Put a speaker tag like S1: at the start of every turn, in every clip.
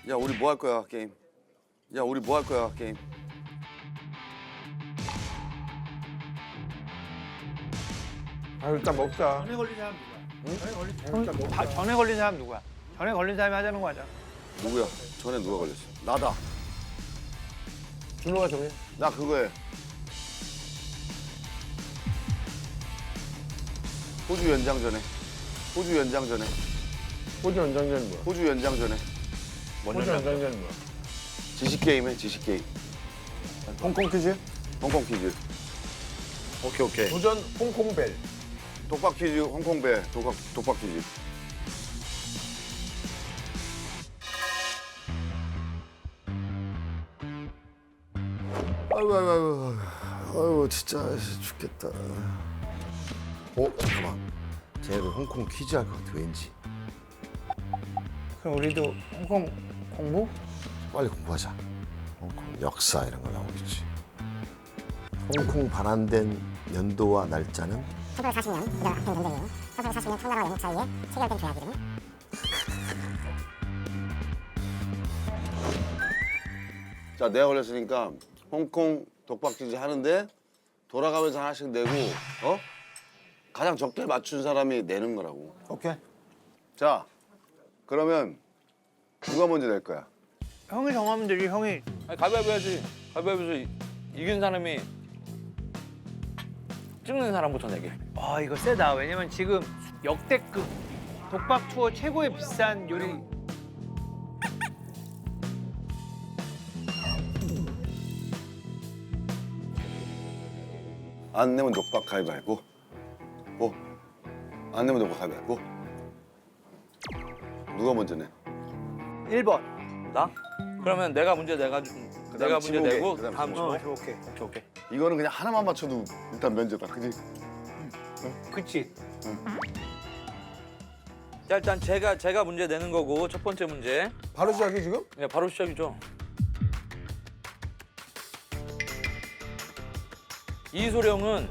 S1: 야, 우리 뭐 할 거야, 게임? 야, 우리 뭐 할 거야, 게임?
S2: 아 일단 먹자.
S3: 전에 걸린 사람 누구야? 전에 걸린 사람
S2: 일단 먹자.
S3: 전에 걸린 사람 누구야? 전에 걸린 사람이 하자는 거 하자.
S1: 누구야? 전에 누가 걸렸어? 나다.
S2: 준호가 정해.
S1: 나 그거 해. 호주 연장 전에. 호주 연장 전에.
S2: 호주 연장전 뭐야?
S1: 호주 연장 전에.
S2: 호주 연장전 뭐야?
S1: 지식 게임 해, 지식 게임.
S2: 홍콩 퀴즈?
S1: 홍콩 퀴즈. 오케이, 오케이.
S2: 도전 홍콩벨.
S1: 독박 퀴즈, 홍콩배, 독박 퀴즈. 아이고, 진짜 죽겠다. 잠깐만. 쟤네도 홍콩 퀴즈 할 것 같아, 왠지.
S3: 그럼 우리도 홍콩 공부?
S1: 빨리 공부하자. 홍콩 역사 이런 거 나오겠지. 홍콩 반환된 연도와 날짜는?
S4: 1940년 이달 아픈 전쟁이에요. 1940년 청나라와 영국 사이에 체결된 조약 이름.
S1: 자, 내가 걸렸으니까 홍콩 독박 퀴즈 하는데 돌아가면서 하나씩 내고, 가장 적게 맞춘 사람이 내는 거라고.
S2: 오케이.
S1: 자, 그러면 누가 먼저 낼 거야?
S3: 형이 정하면 되지. 형이.
S5: 아니, 가위바위보 해야지. 가위바위보에서 이긴 사람이 찍는 사람부터 내게.
S3: 아 이거 세다. 왜냐면 지금 역대급 독박 투어 최고의 비싼 요리.
S1: 안 내면 독박 가위바위보. 안 내면 독박 가위바위보. 누가 먼저 내?
S3: 1번.
S5: 나? 그러면 내가 문제 내가 문제
S1: 지목에,
S5: 내고
S1: 그다음
S5: 다음
S1: 지목.
S5: 주목.
S3: 오케이.
S5: 오케이.
S1: 이거는 그냥 하나만 맞춰도 일단 면제다, 그지?
S3: 그치.
S5: 자, 일단 제가 문제 내는 거고 첫 번째 문제.
S2: 바로 시작이 지금?
S5: 네, 바로 시작이죠. 이소룡은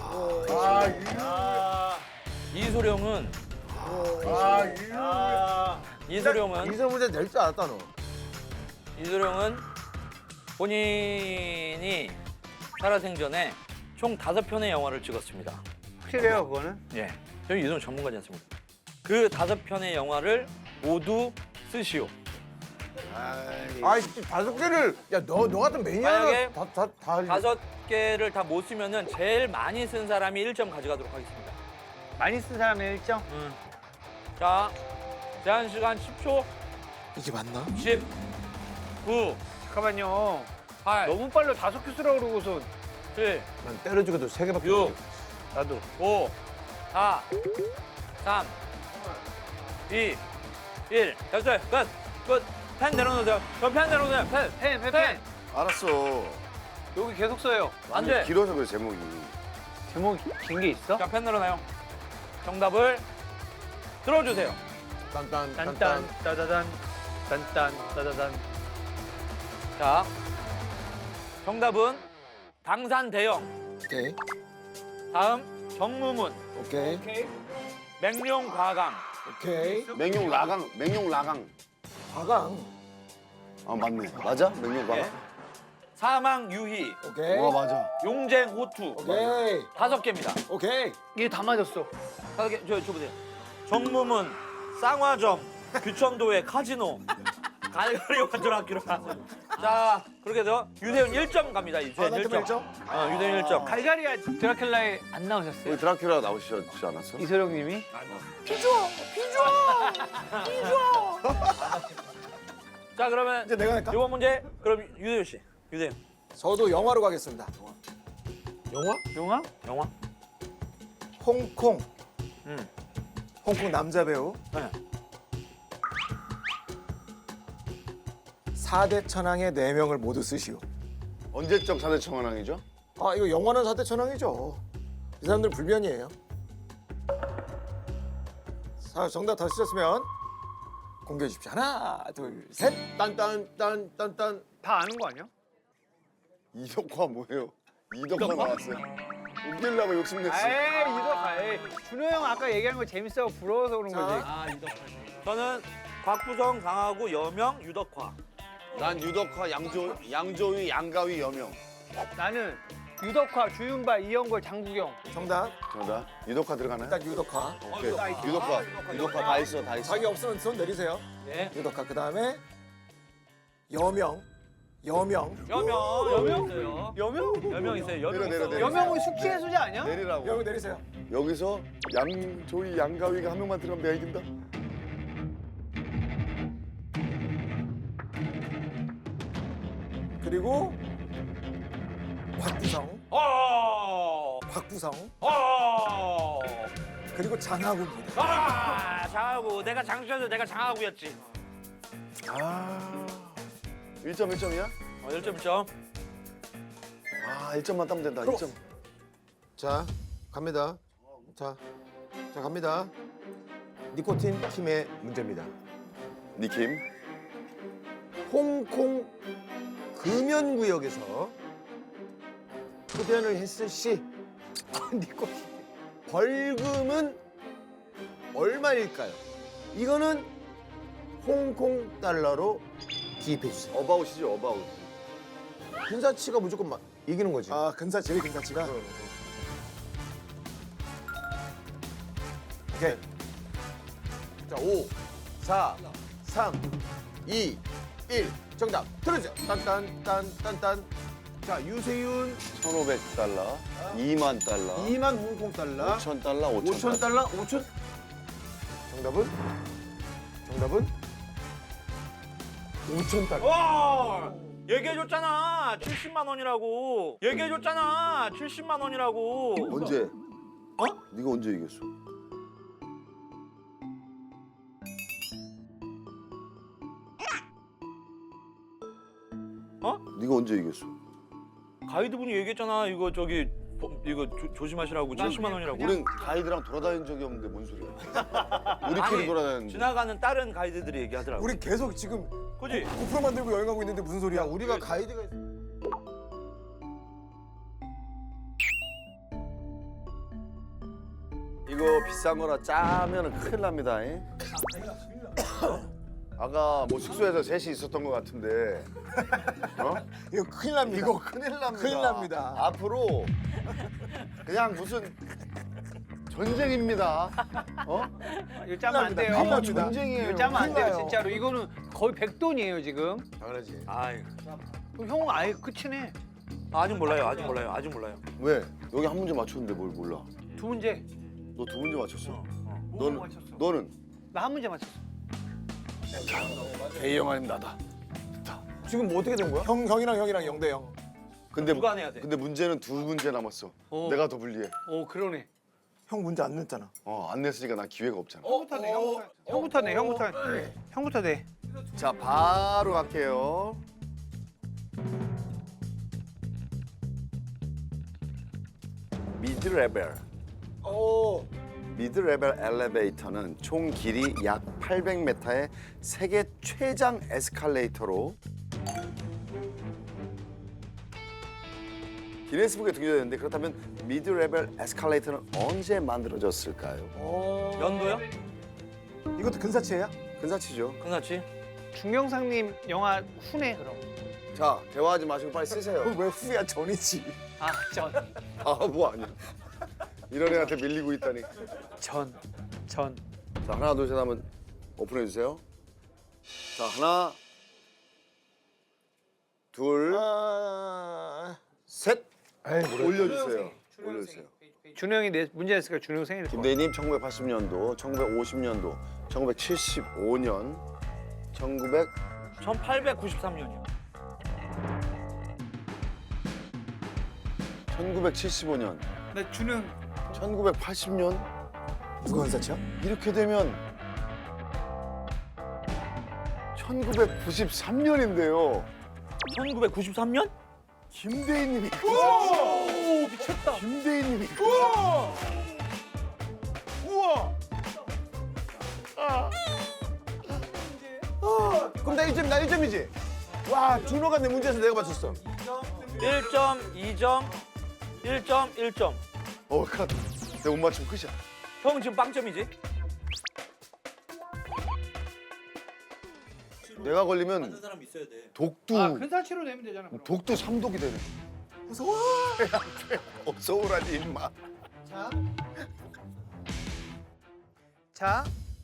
S5: 이소룡은
S2: 이세 문제 낼 줄 알았다 너.
S5: 이소룡은 본인이 살아생전에 총 5편의 영화를 찍었습니다.
S3: 확실해요 그거는?
S5: 예, 저희 이소룡 전문가지 않습니까? 그 5편의 영화를 모두 쓰시오.
S2: 아이 5개를 야너 같은 매니아가
S5: 만약에
S2: 다
S5: 5개를 다 못 쓰면은 제일 많이 쓴 사람이 1점 가져가도록 하겠습니다.
S3: 많이 쓴 사람의 1점?
S5: 자, 제한 시간 10초.
S2: 이게 맞나?
S5: 10, 9,
S3: 잠깐만요.
S5: 8,
S3: 너무 빨라. 5개 쓰라고 그러고서.
S5: 7,
S2: 난 때려 죽여도 3개밖에
S5: 6,
S3: 나도.
S5: 5, 4, 3, 2, 1. 됐어요. 끝. 펜 내려놓으세요. 펜 내려놓으세요. 펜.
S1: 알았어.
S3: 여기 계속 써요.
S5: 안 돼.
S1: 길어서 그래, 제목이.
S3: 제목 긴 게 있어?
S5: 자, 펜 내려놔요. 정답을 들어주세요.
S3: 딴딴 따다단 딴딴 따다단.
S5: 자, 정답은 당산대영.
S2: 오케이.
S5: 다음 정무문,
S2: 오케이.
S5: 맹룡과강.
S2: 오케이.
S1: 맹룡라강.
S2: 과강.
S1: 아, 맞네. 맞아? 맹룡과강?
S5: 예. 사망유희,
S2: 오케이.
S1: 맞아.
S5: 용쟁호투.
S2: 오케이.
S5: 5개입니다.
S2: 오케이.
S3: 이게 다 맞았어.
S5: 5개, 저 보세요. 정무문, 쌍화점, 규천도의 카지노, 갈거리와 드라큘라. 자, 그렇게 해서 유대윤 1점 갑니다. 유대윤 1점. 유대윤 1점.
S3: 갈가리아 드라큘라에 안 나오셨어요?
S1: 우리 드라큘라 나오시지 않았어?
S3: 이소룡 님이?
S5: 자, 그러면
S2: 이제 내가 할까?
S5: 이번 문제 그럼 유대윤 씨. 유대윤.
S2: 저도 영화로 가겠습니다. 영화?
S3: 영화?
S2: 홍콩.
S5: 음.
S2: 홍콩 남자 배우.
S5: 네.
S2: 4대 천왕의 4명을 모두 쓰시오.
S1: 언제적 사대 청원왕이죠?
S2: 아 이거 영화는 4대 천왕이죠. 이 사람들 불변이에요. 자 정답 다 쓰셨으면 공개해 주십시오. 하나 둘 셋. 딴딴딴딴딴.
S3: 다 아는 거 아니야?
S1: 이덕화 뭐예요? 이덕화 나왔어요. 웃기려고 욕심냈어.
S3: 에이 이거 준호 형 아까 얘기한 거 재밌어 부러워서 그런 거지.
S5: 저는 곽부성, 강하구, 여명, 유덕화.
S1: 난 유덕화, 양조위, 양가위, 여명.
S3: 나는 유덕화, 주윤발, 이영걸, 장국영.
S2: 정답.
S1: 정답. 유덕화 들어가나요?
S2: 일단 유덕화.
S1: 오케이. 유덕화 다 있어, 다 있어.
S2: 자기 없으면 손 내리세요.
S5: 네.
S2: 유덕화. 그다음에 여명. 여명.
S5: 여명 있어요.
S3: 여명?
S5: 여명 있어요. 여명
S1: 내려,
S5: 있어요.
S1: 내려.
S3: 여명은 숙취 해소제 아니야?
S1: 내리라고.
S2: 여명 내리세요.
S1: 여기서 양조위, 양가위가 한 명만 들어가면 내가 이긴다.
S2: 그리고 곽부성.
S5: 어.
S2: 곽부성.
S5: 어.
S2: 그리고 장하구입니다.
S5: 아, 장하구. 내가 장수여서 내가 장하구였지.
S1: 1점 1점이야?
S5: 1점 1점.
S1: 아, 1점만 따면 된다. 1점.
S2: 자, 갑니다. 자, 갑니다. 니코틴 팀의 문제입니다.
S1: 니킴.
S2: 홍콩 금연구역에서 흡연을 했을 시 니코틴 벌금은 얼마일까요? 이거는 홍콩 달러로 기입해 주세요.
S1: 어바웃이죠, 어바웃.
S2: 근사치가 무조건 이기는 거지. 아, 제일 근사치가. 오케이. 자, 5, 4, 3, 2, 1. 정답 들어주세요. 딴딴딴딴딴. 자, 유세윤
S1: 1,500달러, 2만 달러,
S2: 2만 홍콩 달러,
S1: 5천 달러,
S2: 5천 달러, 5천. 정답은 5천 달러.
S5: 와! 얘기해줬잖아. 70만 원이라고. 얘기해줬잖아. 70만 원이라고.
S1: 언제? 네가 언제 이겼어? 네가 언제 이겼어?
S5: 가이드분이 얘기했잖아. 이거 조심하시라고. 70만 원이라고.
S1: 우린 가이드랑 돌아다닌 적이 없는데 뭔 소리야? 우리끼리 돌아다녔는데.
S5: 지나가는 다른 가이드들이 얘기하더라고.
S2: 우리 계속 지금
S5: 그지?
S2: 고프로 만들고 여행하고 있는데 무슨 소리야? 우리가 가이드가 있...
S1: 이거 비싼 거라 짜면은 큰일 납니다. 잉? 아까 뭐 숙소에서 셋이 있었던 것 같은데. 어?
S2: 이거 큰일 납니다.
S1: 이거 큰일 납니다.
S2: 큰일 납니다.
S1: 앞으로 그냥 무슨 전쟁입니다. 어?
S3: 이거 짜면 안 돼요.
S2: 큰일 납니다.
S1: 전쟁이에요.
S3: 이거 짜면 안 돼요,
S2: 큰일 나요.
S3: 진짜로. 이거는 거의 백돈이에요, 지금.
S2: 당연하지.
S5: 아이,
S3: 그럼 형은 아예 끝이네.
S5: 아직 몰라요.
S1: 왜? 여기 한 문제 맞췄는데 뭘 몰라?
S3: 두 문제.
S1: 너 두 문제 맞췄어?
S3: 뭐 맞췄어?
S1: 너는?
S3: 나 한 문제 맞췄어.
S1: A형 아니면 나다.
S2: 지금 뭐 어떻게 된 거야? 형이랑 0대 0.
S1: 근데
S5: 누가 내야 돼?
S1: 근데 문제는 두 문제 남았어. 내가 더 불리해.
S3: 오, 그러네.
S2: 형 문제 안 냈잖아.
S1: 안 냈으니까 나 기회가 없잖아.
S3: 형부터 내. 형부터 내.
S1: 자, 바로 갈게요. 미드레벨.
S2: 오.
S1: 미드레벨 엘리베이터는 총 길이 약 800m의 세계 최장 에스컬레이터로 기네스북에 등재됐는데 그렇다면 미드레벨 에스컬레이터는 언제 만들어졌을까요?
S5: 연도요?
S2: 이것도 근사치예요?
S1: 근사치죠.
S5: 끝났지?
S3: 중경상님 영화 후네, 그럼.
S1: 자, 대화하지 마시고 빨리 쓰세요.
S2: 왜 후야 전이지?
S3: 아, 전.
S1: 뭐 아니야. 이런 애한테 밀리고 있다니.
S3: 전.
S1: 자, 하나, 둘, 셋 하면 오픈해 주세요. 자, 하나, 둘, 셋. 올려주세요. 올려주세요.
S3: 준영이 내 문제 냈으니까 준영 생일.
S1: 김대희님 1980년도, 1950년도, 1975년,
S5: 1893년이요.
S1: 1975년,
S3: 나 준영
S1: 1980년
S2: 누가 근사치야?
S1: 이렇게 되면 1993년인데요.
S5: 1993년?
S1: 김대희님이
S5: 오, 미쳤다.
S1: 김대희님이
S2: 그럼 나 1점, 나 1점이지? 와, 준호가 내 문제에서 내가 맞췄어.
S5: 1점, 2점, 1점, 1점.
S1: 큰일 났다. 내가 못 맞추면 끝이야.
S5: 형 지금 빵점이지?
S1: 내가 걸리면
S5: 사람 있어야 돼.
S1: 독도
S3: 아 근사치로 내면 되잖아. 그럼.
S1: 독도 3독이 되네. 어서 오라니 임마.
S3: 자,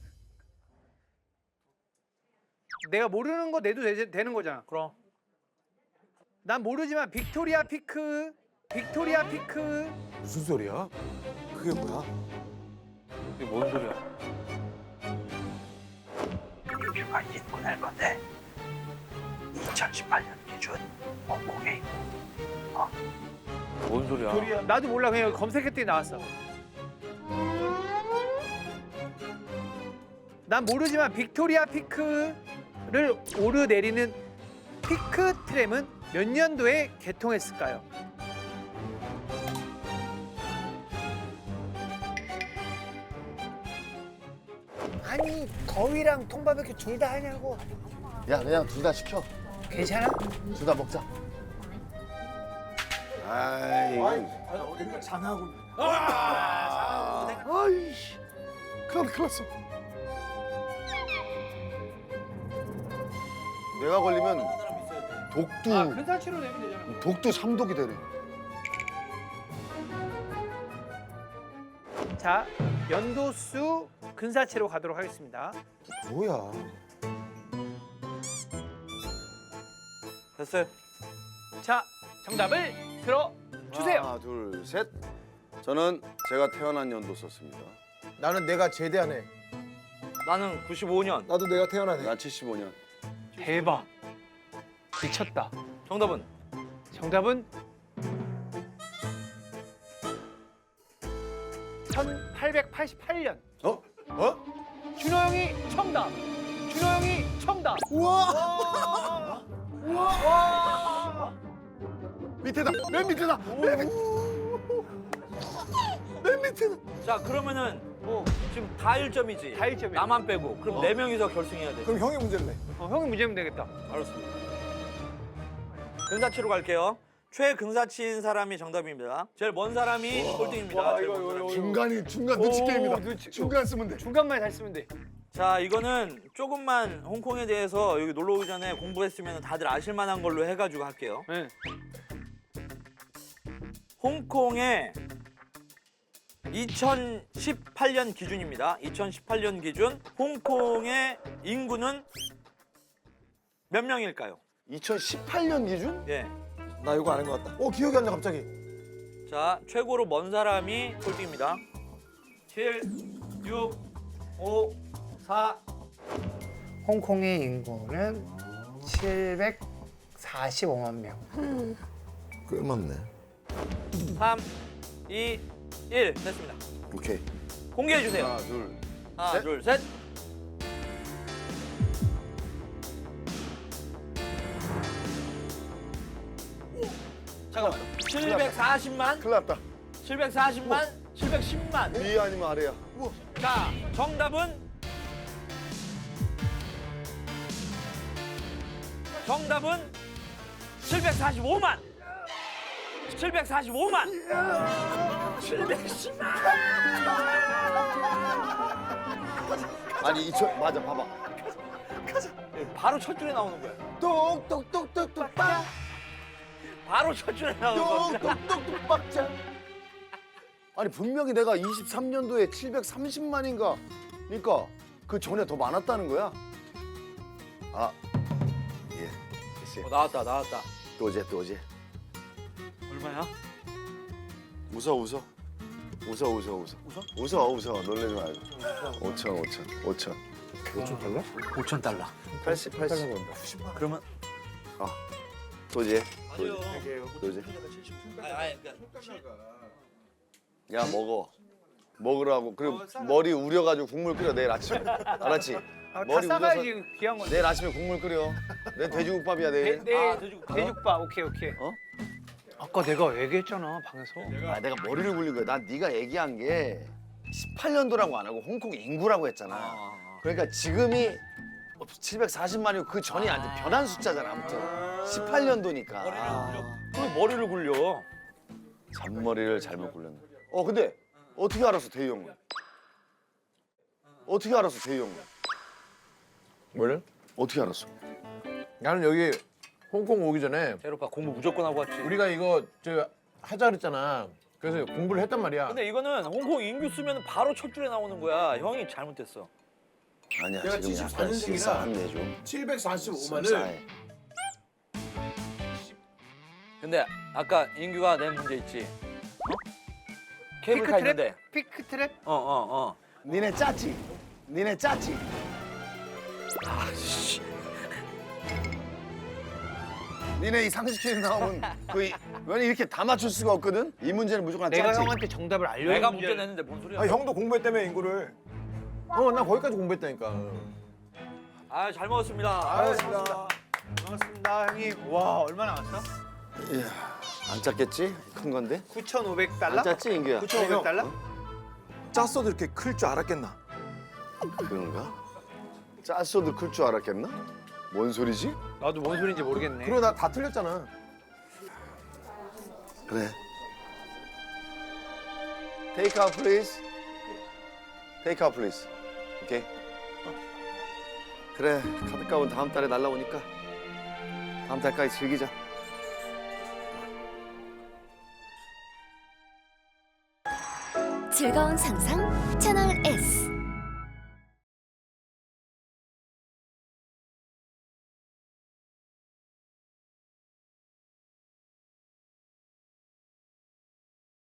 S3: 내가 모르는 거 내도 되는 거잖아.
S5: 그럼.
S3: 난 모르지만 빅토리아 피크, 빅토리아 피크.
S2: 무슨 소리야? 그게 뭐야?
S5: 이게 뭔 소리야?
S6: 유주가 입문할 건데 2018년 기준 홍콩에 있고
S5: 뭔 소리야?
S3: 나도 몰라. 그냥 검색했더니 나왔어. 난 모르지만 빅토리아 피크를 오르내리는 피크 트램은 몇 년도에 개통했을까요? 아니 거위랑 통바베큐 둘 다 하냐고.
S1: 야 그냥 둘 다 시켜.
S3: 괜찮아?
S1: 둘 다 먹자. 아이.
S2: 이거 장하고.
S1: 아이씨. 큰일 났어. 내가 걸리면 독도
S3: 아 근사치로 내면 되잖아.
S1: 독도 3독이 되네.
S3: 자 연도수 근사치로 가도록 하겠습니다.
S2: 뭐야?
S5: 됐어요.
S3: 자 정답을 들어 주세요.
S1: 하나 둘 셋. 저는 제가 태어난 연도 썼습니다.
S2: 나는 내가 제대한 해.
S5: 나는 95년.
S2: 나도 내가 태어난 해.
S1: 난 75년.
S3: 대박. 미쳤다.
S5: 정답은
S3: 정답은 1888년.
S1: 어? 어?
S3: 준호 형이 정답. 준호 형이 정답.
S2: 우와!
S3: 와.
S1: 밑에다. 맨 밑에다. 맨 밑에다.
S5: 자 그러면은 지금 다 1점이지.
S3: 다 1점이야.
S5: 나만 빼고. 그럼 네 명이서 결승해야 돼.
S2: 그럼 형이 문제를 내.
S3: 형이 문제면 되겠다.
S5: 알았습니다. 근사치로 갈게요. 최근사치인 사람이 정답입니다. 제일 먼 사람이 꼴등입니다. 제일 먼 사람이.
S1: 중간 눈치
S3: 오,
S1: 게임이다.
S3: 눈치.
S1: 중간 쓰면 돼.
S3: 중간만 잘 쓰면 돼.
S5: 자 이거는 조금만 홍콩에 대해서 여기 놀러 오기 전에 공부했으면 다들 아실 만한 걸로 해가지고 할게요.
S3: 네.
S5: 홍콩의 2018년 기준입니다. 2018년 기준 홍콩의 인구는 몇 명일까요?
S1: 2018년 기준?
S5: 예.
S2: 나 이거 아는 것 같다. 기억이 안 나 갑자기.
S5: 자 최고로 먼 사람이 꼴등입니다. 7, 6, 5, 4.
S3: 홍콩의 인구는 745만 명.
S2: 꽤 많네.
S5: 3, 2, 1 됐습니다.
S1: 오케이.
S5: 공개해 주세요.
S1: 하나 둘.
S5: 하나,
S1: 셋.
S5: 둘, 셋. 잠깐만. 740만,
S1: 큰일 났다.
S5: 740만, 710만.
S1: 위 아니면 아래야.
S5: 자, 정답은 정답은 745만. 745만. 710만.
S1: 아니 2000 맞아 봐봐.
S5: 바로 첫 줄에 나오는 거야.
S2: 똑똑똑똑똑
S5: 바로 첫 줄에 나오는 겁니다.
S2: 똑똑똑똑 빡자.
S1: 아니 분명히 내가 23년도에 730만인가 그러니까 그 전에 더 많았다는 거야. 아 예. 글쎄.
S5: 나왔다.
S1: 또제.
S5: 얼마야?
S1: 웃어. 놀래지 말고. 5천.
S5: 5,000달러.
S1: 80.
S5: 그러면
S1: 또제.
S5: 맞아요.
S1: 또제.
S5: 그러니까
S1: 야 먹으라고. 그리고 머리 우려가지고 국물 끓여 내일 아침에. 알았지?
S3: 다
S1: 머리
S3: 싸가야지 귀한 건데.
S1: 내일 아침에 국물 끓여. 내 돼지국밥이야 내일.
S3: 돼지국밥. 오케이.
S1: 어?
S3: 아까 내가 얘기했잖아 방에서.
S1: 아 내가 머리를 굴린 거야. 난 네가 얘기한 게 18년도라고 안 하고 홍콩 인구라고 했잖아. 그러니까 지금이 740만이고 그 전이 아주 변한 숫자잖아. 아무튼 18년도니까.
S5: 왜 머리를 굴려?
S1: 잔머리를 잘못 굴렸네. 근데 어떻게 알았어 대희 형은? 어떻게 알았어 대희 형은?
S2: 뭐를?
S1: 어떻게 알았어?
S2: 나는 여기 홍콩 오기 전에
S5: 재열 오빠 공부 무조건 하고 왔지.
S2: 우리가 이거 저 하자 그랬잖아. 그래서 공부를 했단 말이야.
S5: 근데 이거는 홍콩 인규 쓰면 바로 첫 줄에 나오는 거야. 형이 잘못됐어.
S1: 아니야
S2: 내가
S1: 지금
S2: 74
S1: 약간
S2: 년생이라
S1: 실수한데 좀.
S2: 745만을
S1: 실수해.
S5: 근데 아까 인규가 낸 문제 있지. 어? 케이블카 있는데.
S3: 피크 트랩?
S5: 어.
S1: 니네 짰지? 니네 짰지? 니네 이 상식회에 나오면 왜 이렇게 다 맞출 수가 없거든? 이 문제는 무조건
S3: 내가
S1: 짰지?
S3: 형한테 정답을 알려.
S5: 내가 문제 냈는데 뭔 소리야?
S2: 아 형도 공부했다며 인구를. 나 거기까지 공부했다니까.
S5: 아, 잘 먹었습니다.
S2: 알겠습니다.
S3: 고맙습니다 형님. 와 얼마 나왔어?
S1: 이야, 안 짰겠지? 큰 건데?
S3: 9,500달러?
S1: 안 짰지 인규야?
S3: 9,500달러?
S2: 짰어도 이렇게 클 줄 알았겠나?
S1: 그런가? 짰어도 클 줄 알았겠나? 뭔 소리지?
S3: 나도 뭔 소리인지 모르겠네.
S2: 그리고 나 다 틀렸잖아.
S1: 그래. Take out please. Take out please. 오케이. 그래, 카드값은 다음 달에 날라오니까 다음 달까지 즐기자.
S7: 즐거운 상상 채널 S.